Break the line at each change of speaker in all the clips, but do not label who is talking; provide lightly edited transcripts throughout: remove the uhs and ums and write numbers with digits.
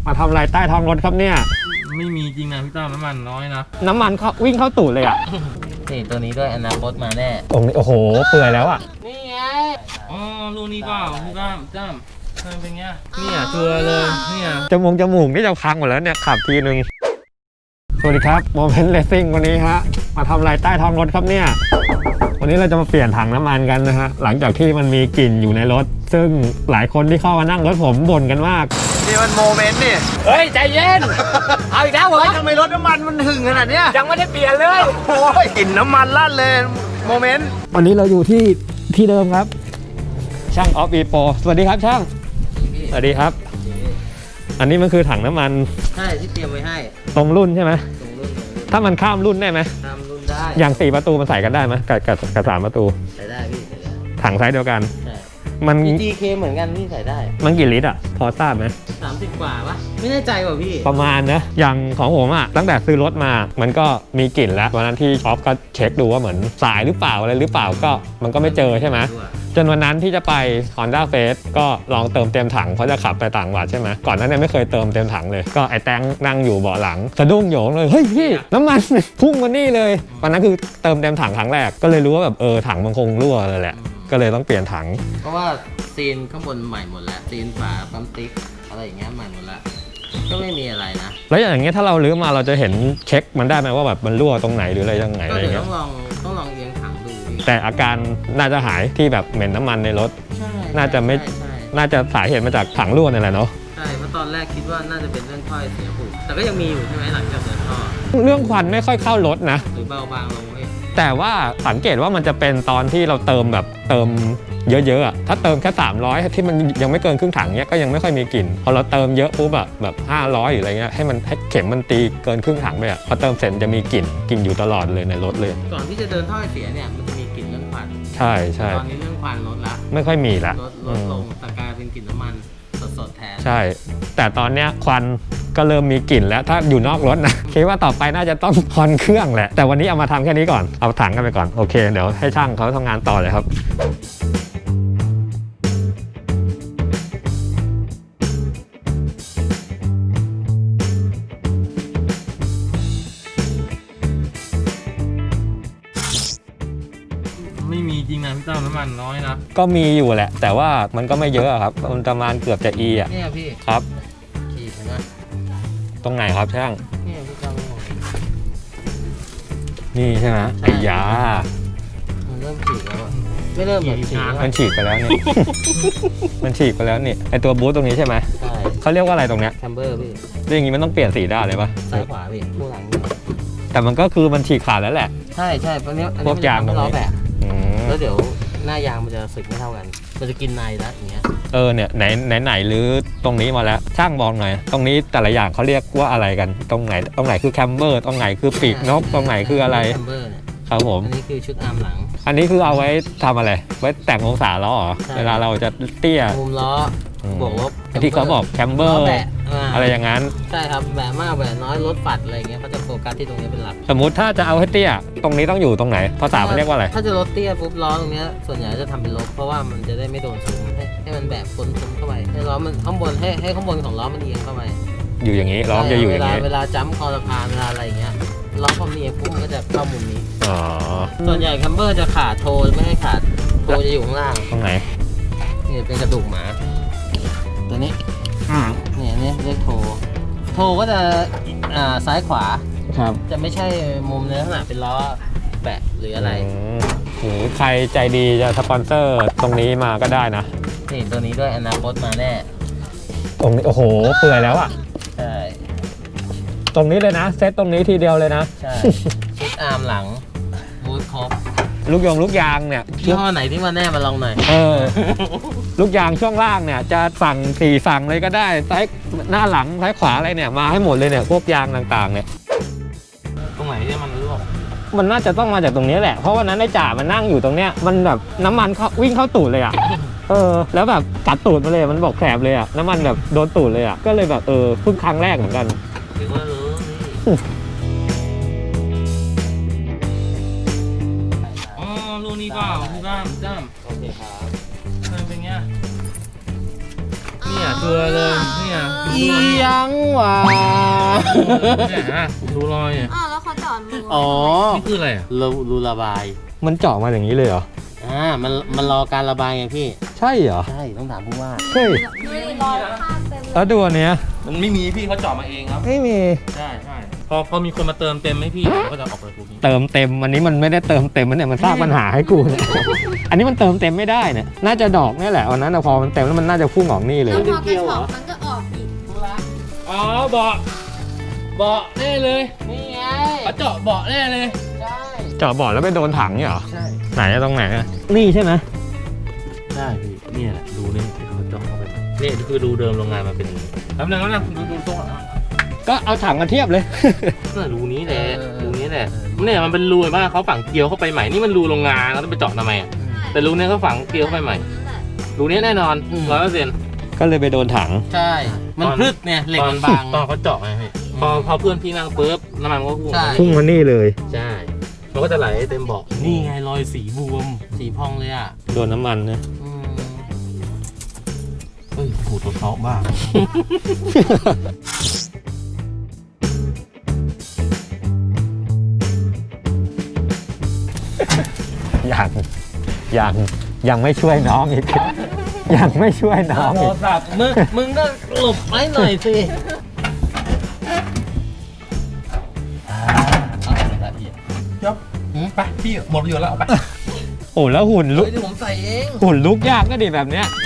มาทำอะไรใต้ท้องรถครับเนี่ย
ไม่มีจริงนะพี่ตั้มน้ำมันน้อยนะ
น้ำมันเขาวิ่งเข้าตูดเลยอ่ะ
นี่ตัวนี้ด้วยอนาคตมาแน่
ตรงนี้โอ้โหเปื่อยแล้วอ่ะ
นี่ไง
อ๋อลูกนี้เปล่าพี่ตั้มมันเป็นไงเนี่ยชัวร์เลยเนี่ย
จมูกนี่จะพังหมดแล้วเนี่ยขับทีนึงสวัสดีครับโมเมนต์เลสซิ่งวันนี้ฮะมาทำอะไรใต้ท้องรถครับเนี่ยวันนี้เราจะมาเปลี่ยนถังน้ำมันกันนะฮะหลังจากที่มันมีกลิ่นอยู่ในรถซึ่งหลายคนที่เข้ามานั่งรถผมบ่นกันมาก
นี่มันโมเมนต์นี่
เฮ้ยใจเย็นเอาอีกแล้วเหรอ
ทำไมรถน้ำมันมันหึงขนาดเนี้ย
ยังไม่ได้เปลี่ยนเลย
โอ้ยกลิ่นน้ำมันลั่นเลยโมเมนต์
วันนี้เราอยู่ที่เดิมครับช่างออฟอีโปสวัสดีครับช่างสวัสดีครับอันนี้มันคือถังน้ำมัน
ใช่ที่เตรียมไว้ให้
ตรงรุ่นใช่ไหม
ตรงรุ่น
ถ้ามันข้ามรุ่นได้ไหม
ข้ามรุ่นได้
อย่าง4ประตูมันใส่กันได้ไหมกับ3ประตู
ใส่ได้พี่ใส่ได้
ถังไซส์เดียวกัน
ใช่
มัน
GK เหมือนกันพี่ใส่ได้
มันกี่ลิตรอ่ะพอทราบไหม
30 กว่าปะไม่แน่ใจว่ะพี่
ประมาณนะอย่างของผมอ่ะตั้งแต่ซื้อรถมามันก็มีกลิ่นแล้ววันนั้นที่ออฟก็เช็คดูว่าเหมือนสายหรือเปล่าอะไรหรือเปล่าก็มันก็ไม่เจอใช่ไหมจนวันนั้นที่จะไป Honda Face ก็ลองเติมเต็มถังเพราะจะขับไปต่างจังหวัดใช่ไหมก่อนนั้นเนี่ยไม่เคยเติมเต็มถังเลยก็ไอ้แตงนั่งอยู่เบาะหลังสะดุ้งโหยงเลยเฮ้ยพี่น้ำมันพุ่งมานี่เลยวันนั้นคือเติมเต็มถังครั้งแรกก็เลยรู้ว่าแบบถังมันคงรั่วเลยแหละก็เลยต้องเปลี่ยนถัง
เพราะว่าซีนข้างบนใหม่หมดแล้วซีนฝาปั๊มติ๊กอะไรอย่างเงี้ยใหม่หมดแล้วก็ไม่มีอะไรนะ
แล้วอย่างเงี้ยถ้าเราลื้อมาเราจะเห็นเช็คมันได้ไหมว่าแบบมันรั่วตรงไหนหรืออะไรยังไง
ก็เดี๋ยวต้องลองเอียงถังดู
แต่อาการน่าจะหายที่แบบเหม็นน้ำมันในรถน่าจะไม่น่าจะสาเหตุมาจากถังรั่วนี่แหละเนาะ
ใช่เพราะตอนแรกคิดว่าน่าจะเป็นเรื่องถ้อยเสียผูกแต่ก็ยังมีอยู่ใช่ไหมหลังจากเดินท่อ
เรื่องควันไม่ค่อยเข้า รถนะ
หรือเบาบางลงเอง
แต่ว่าสังเกตว่ามันจะเป็นตอนที่เราเติมเยอะๆอ่ะถ้าเติมแค่300ที่มันยังไม่เกินครึ่งถังเนี้ยก็ยังไม่ค่อยมีกลิ่นพอเราเติมเยอะปุ๊บแบบ500หรืออะไรเงี้ยให้เข็มมันตีเกินครึ่งถังไปอ่ะพอเติมเสร็จจะมีกลิ่นอยู่ตลอดเลยในรถเลย
ก่อนที่จะเดินท่อเสียเนี่ยมันจะมีกลิ่นเรื่องควัน
ใช่
ตอนนี้เรื่องควันลดละ
ไม่ค่อยมีละ
ลดลงแต่กลายเป็นกลิ่นน้ำมันสดๆแทน
ใช่แต่ตอนเนี้ยควันก็เริ่มมีกลิ่นแล้วถ้าอยู่นอกรถนะคิดว่าต่อไปน่าจะต้องคอนเครื่องแหละแต่วันนี้เอามาทำแค่นี้ก่อนเอาถังกันไปก่อนโอเคเดี๋ยวให้ช่างเขาทำงานต่อเลยครับ
ไม่มีจริงนะพี่ตั้มน้ำมันน้อยนะ
ก็มีอยู่แหละแต่ว่ามันก็ไม่เยอะครับมันประมาณเกือบจะอ่ะ
เนี่ยพี่
ครับ
ขีดเห็นไหม
ตรงไหนครับช่าง
เนี่ยพี่ตั้ม
นี่ใช่ไหมไอ้ยา
มันเริ่มฉีกแล้วไม่เริ่มแบบฉีก
มันฉีกไปแล้วนี่ มันฉีกไปแล้วนี่ไอตัวบูทตรงนี้ใช่ไหม
ใช่
เขาเรียกว่าอะไรตรงเนี้ย
แคมเบอร์พี่
เรื่องนี้มันต้องเปลี่ยนสีด้านเลยปะ
ซ้ายขวาพี่ผู้หลัง
แต่มันก็คือมันฉีกขาดแล้วแหละ
ใช่เพราะนี้
พวกยางตรงนี้
แล้วเดี๋ยวหน้ายางมันจะสึกไม่เท่ากันมันจะกินในแล้วอย่างเงี้ย
เนี่ยไหนหรือตรงนี้มาแล้วช่างบอกหน่อยตรงนี้แต่ละอย่างเขาเรียกว่าอะไรกันตรงไหนคือแคมเบอร์ตรงไหนคือปีกนกตรงไหนคืออะไร
แคมเบอร์เนี่ย
ครับผม
อันนี้คือชุดอาร์มหลัง
อันนี้คือเอาไว้ทำอะไรไว้แต่งองศาล้อเหรอเวลาเราจะเตี้ย
มุมล้อบวกลบ
ที่เขาบอกแคมเบอร์อะไรอย่างนั้น
ใช่ครับแบะมากแบะน้อยลดปัดอะไรเงี้ยเขาจะโฟกัสที่ตรงนี้เป็นหลัก
สมมุติถ้าจะเอาให้เตี้ยตรงนี้ต้องอยู่ตรงไหนภาษามันเรียกว่าอะไร
ถ้าจะลดเตี้ยปุ๊บล้อตรงนี้ส่วนใหญ่จะทำเป็นลบเพราะว่ามันจะได้ไม่โดนซุ้มให้มันแบบพ้นเข้าไปให้ล้อมันข้างบนให้ข้างบนของล้อมันเอียงเข้าไป
อยู่อย่างนี้ล้อจะอยู่อย่างนี้
เวลาจัมป์คอสะพานเวลาอะไรอย่างเงี้ยล้อพอมีเอียงปุ๊บมันก็จะเข้ามุมนี้ส่วนใหญ่แคมเบอร์จะขาดโทไม่ให้ขาดโทจะอยู่ข้างล่าง
ตรงไหน
นี่เป็นกระดูกหมาตัวนี้เนี่ยนี่เรียกโทก็จะซ้ายขวา
ครับ
จะไม่ใช่มุมในลักษณะเป็นล้อแบะหรืออะไร
หรือใครใจดีจะสปอนเซอร์ตรงนี้มาก็ได้นะ
นี่ตัวนี้ด้วยอนาคตมาแน่
ตรงนี้โอ้โหเปื่อยแล้วอ่ะ
ใช่
ตรงนี้เลยนะเซตตรงนี้ทีเดียวเลยนะ
ใช่ชุดอาร์มหลังบูทครบ
ลูกยางเนี่ย
ยี่ห้อไหนที่มาแน่มาลองหน่อย
ลูกยางช่วงล่างเนี่ยจะสั่ง4สั่งเลยก็ได้ซ้ายหน้าหลังซ้ายขวาอะไรเนี่ยมาให้หมดเลยเนี่ยพวกยางต่างๆเนี่ย
ตรงไหนที่มันรั่ว
มันน่าจะต้องมาจากตรงนี้แหละเพราะวันนั้นไอ้จ่ามันนั่งอยู่ตรงเนี้ยมันแบบน้ำมันเขาวิ่งเข้าตูดเลยอ่ะแล้วแบบกัดตูดมาเลยมันบอกแสบเลยอ่ะน้ำมันแบบโดนตูดเลยอ่ะก็เลยแบบเพิ่งครั้งแรกเหมือนกัน
ถือว่ารู้
ลูกนี้เปล่าพี่ตั้ม
โอเคครับ
มันเป็นไง
เ
เนี่ยชัวร์เลยเนี่ย
อียังวะ
เนี่ยฮะดูรอยเนี่ย
อ้าวแล้วเขาจอดรู
อ๋อ
นี่คืออะไรอ่ะ
รูระบาย
มันเจาะมาอย่างนี้เลยเหรอ
มันรอการระบายไงพี่
ใช่เหรอ
ใช่ต้องถามผู้ว่า
เฮ้ย
ไม่ได้รอยข้างเต็มเลย
แล้วดูอันเนี้ย
มันไม่มีพี่เขาเจาะมาเองครับ
ไม่มี
ใช่พอมีคนมาเติมเต็มให้พี่ก็จะออกไปพวกนี้
เติมเต็มอันนี้มันไม่ได้เติมเต็มมันเนี่ยมันสร้างปัญหาให้กูเนี่ย อันนี้มันเติมเต็มไม่ได้เนี่ยน่าจะดอกนี่แหละวันนั้นนะพอมันเต็มแล้วมันน่าจะพุ่งออกนี่เลย
แล้วพอกระชอกมันก็ออกอีก
อ๋อเบาะแน่เลย
นี่ไง
เขาเจาะเบาะแน่เลย
ใช่
เจาะบ่อแล้วไปโดนถังเนี่ยเหรอ
ใช่
ไหนอะตรงไหนอะนี่ใช่ไหม
ใช่พี่เนี่ยแหละรูนี่ที่เขาเจาะเข้าไปนี่คือรูเดิมโรงงานมาเป็นอย่างนี้แล้วนึงดูตรง
ก็เอาถังมาเทียบเลย
น่ะรูนี้แหละรูนี้แหละเนี่ยมันเป็นรูมากเขาฝังเกลียวเข้าไปใหม่นี่มันรูโรงงานแล้วต้องไปเจาะทำไมอ่ะแต่รูนี้เขาฝังเกลียวเข้าไปใหม่ รูนี้แน่นอน100%
ก็เลยไปโดนถัง
ใช่ มันพลึดเนี่ยเหล็กมันบาง
ตอนเขาเจาะไงพี่พอเพื่อนพี่นั่งปุ๊บน้ำมันก็พุ่ง
ใช่
พุ่งมานี่เลย
ใช่มันก็จะไหลเต็มเบาะนี่ไงรอยสีบวม
สีพองเลยอ่ะ
โดนน้ำมันนะ
เฮ้ยหูตัวเทาะบ้า
ยังไม่ช่วยน้องอีก ยังไม่ช่วยน้อง
โท
อี
ร
ก
ศัพท์มึงก็หลบไว้หน่อยสิ
ไปพี่หมดประโยชน์แล้วเอาไป
โอ้แล้วหุ่นลุก
เดี๋ยวผมใส่เอง
หุ่นลุกยากก็ดีแบบเนี้ย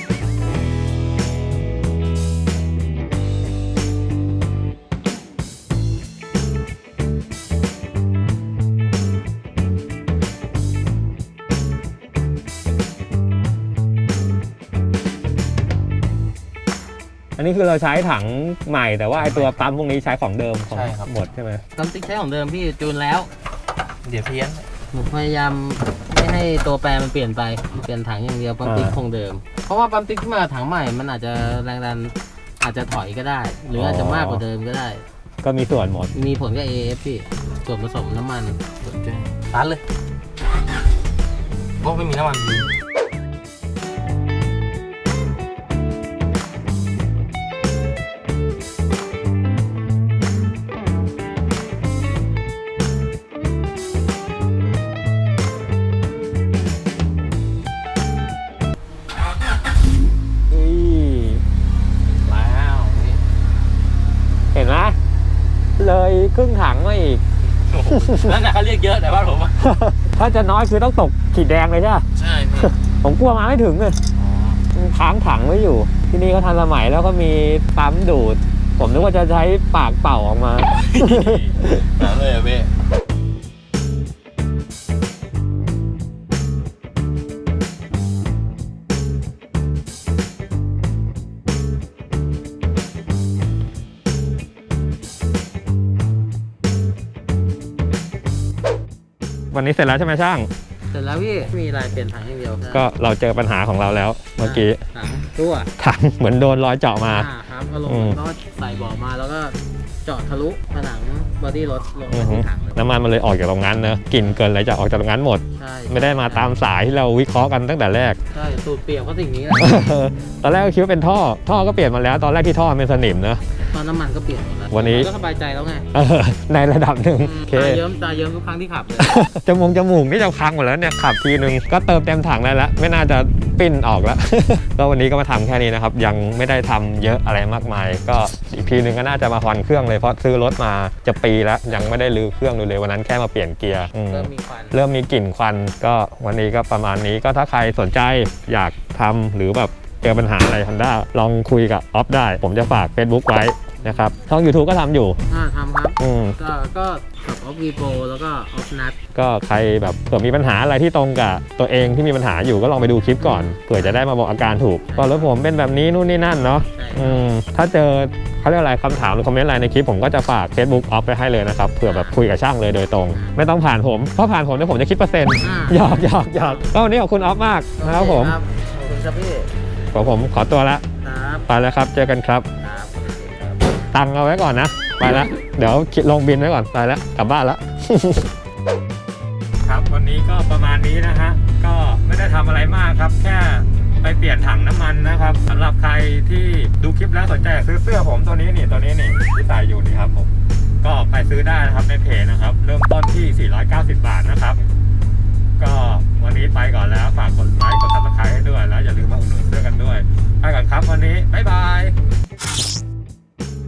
อันนี้คือเราใช้ถังใหม่แต่ว่าไอตัวปั๊มพวกนี้ใช้ของเดิมของ
ใช่ครับ
หมดใช่ไหม
น้ำติ๊กใช้ของเดิมพี่จูนแล้ว
เดี๋ยวเพี้ยน
ผมพยายามไม่ให้ตัวแปรมันเปลี่ยนไป เปลี่ยนถังอย่างเดียวปั๊มติ๊กคงเดิม เพราะว่าปั๊มติ๊กที่มาถังใหม่มันอาจจะแรงดันอาจจะถอยก็ได้ หรืออาจจะมากกว่าเดิมก็ได้
ก็มีส่วนหมด
มีผลกับ AF พี่ส่วนผสมน้ำมัน
สนใจตัดเลยโอ้ไม่มีน้ำมัน
แล้วนี่
เห็นไหมเลยครึ่งถังมาอีก
นั่นน่ะเขาเรียกเยอะแต่ว่าผม
ถ้าจะน้อยคือต้องตกขีดแดงเลยใช่ไหม
ใช่พี่
ผมกลัวมาไม่ถึงเลยค้างถังไว้อยู่ ที่นี่ก็ทันสมัยแล้วก็มีปั๊มดูด ผมนึกว่าจะใช้ปากเป่าออกมา
นั่นเลยอะพี่
วันนี้เสร็จแล้วใช่ไหมช่าง
เสร็จแล้วพี่มีลายเปลี่ยนถังอย่างเดียว
ก็เราเจอปัญหาของเราแล้ว เมื่อกี้
ถังรั่ว
ถังเหมือนโดนรอยเจาะมา
ครับเอาลงก็ใส่บ่อมาแล้วก็เจาะทะลุผนังบอดี้รถลง
อื
มา
อฮึ
ที่ถังเลย
น้ำมันมันเลยออกจากตรงนั้นเนอะกลิ่นเกินอะไรจะออกจากตรงนั้นหมด
ใช่
ไม่ได้มาตามสายที่เราวิเคราะห์กันตั้งแต่แรก
ใช่สูตรเปรียบก็สิ่งนี้แหละ
ตอนแรกก็คิดว่าเป็นท่อก็เปลี่ยนมาแล้ว ตอนแรกที่ท่อมันเป็นสนิมเนอะ
ตอนน้ำมันก็เปลี่ยนหมดแล้ว
วันนี้
ก็สบายใจแล้วไง
ในระดับหนึ่งโอเค
ตาเยิ้มทุกครั้งที่ขับเลย
จมูกนี่จะพังหมดแล้วเนี่ยขับทีนึงก็เติมเต็มถังได้แล้วไม่น่าจะปิ้นออกแล้ว ก็วันนี้ก็มาทำแค่นี้นะครับยังไม่ได้ทำเยอะอะไรมากมาย ก็อีกทีนึงก็น่าจะมาผ่อนเครื่องเลยเพราะซื้อรถมาจะปีแล้วยังไม่ได้รื้อเครื่องดูเลยวันนั้นแค่มาเปลี่ยนเกียร์
เริ่มมีควัน
เริ่มมีกลิ่นควันก็วันนี้ก็ประมาณนี้ก็ถ้าใครสนใจอยากทำหรือแบบเจอปัญหาอะไร Honda ลองคุยกับออฟได้ ผมจะฝาก Facebook ไว้นะครับช่อง YouTube ก็ทำอยู่
ทำครับ
อืม
ก็กับออฟวีโปแล้วก็ออฟนัท
ก็ใครแบบเผื่อมีปัญหาอะไรที่ตรงกับตัวเองที่มีปัญหาอยู่ก็ลองไปดูคลิปก่อนเผื่อจะได้มาบอกอาการถูกก็รถผมเป็นแบบนี้นู่นนี่นั่นเนาะ
ใช่
ถ้าเจอเขาเรียกอะไรคำถามหรือคอมเมนต์อะไรในคลิปผมก็จะฝาก Facebook ออฟไปให้เลยนะครับเผื่อแบบคุยกับช่างเลยโดยตรง ไม่ต้องผ่านผมเพราะผ่านผมเนี่ยผมจะคิดเปอร์เซ็นต์หยอกก็วันนี้ขอบคุณออฟมากนะครับผม
ขอบคุณครับพี่
ผมขอตัวละ
ครับ
ไปแล้วครับเจอกันครับ
ครับโอเคครับ
ตังค์เอาไว้ก่อนนะไปแล้วเดี๋ยวคิดลงบินไว้ก่อนไปแล้วกลับบ้านแล้ว ครับวันนี้ก็ประมาณนี้นะฮะก็ไม่ได้ทำอะไรมากครับแค่ไปเปลี่ยนถังน้ำมันนะครับสำหรับใครที่ดูคลิปแล้วสนใจอยากซื้อเสื้อผมตัวนี้นี่ที่ใส่อยู่นี่ครับผมก็ไปซื้อได้นะครับในเพจนะครับเริ่มต้นที่ 490 บาทนะครับก็วันนี้ไปก่อนแล้วฝากกดไลค์กด Subscribe ให้ด้วยแล้วอย่าลืมมาอุดหนุนเสื้อกันด้วยไปก่อนครับวันนี้บ๊ายบาย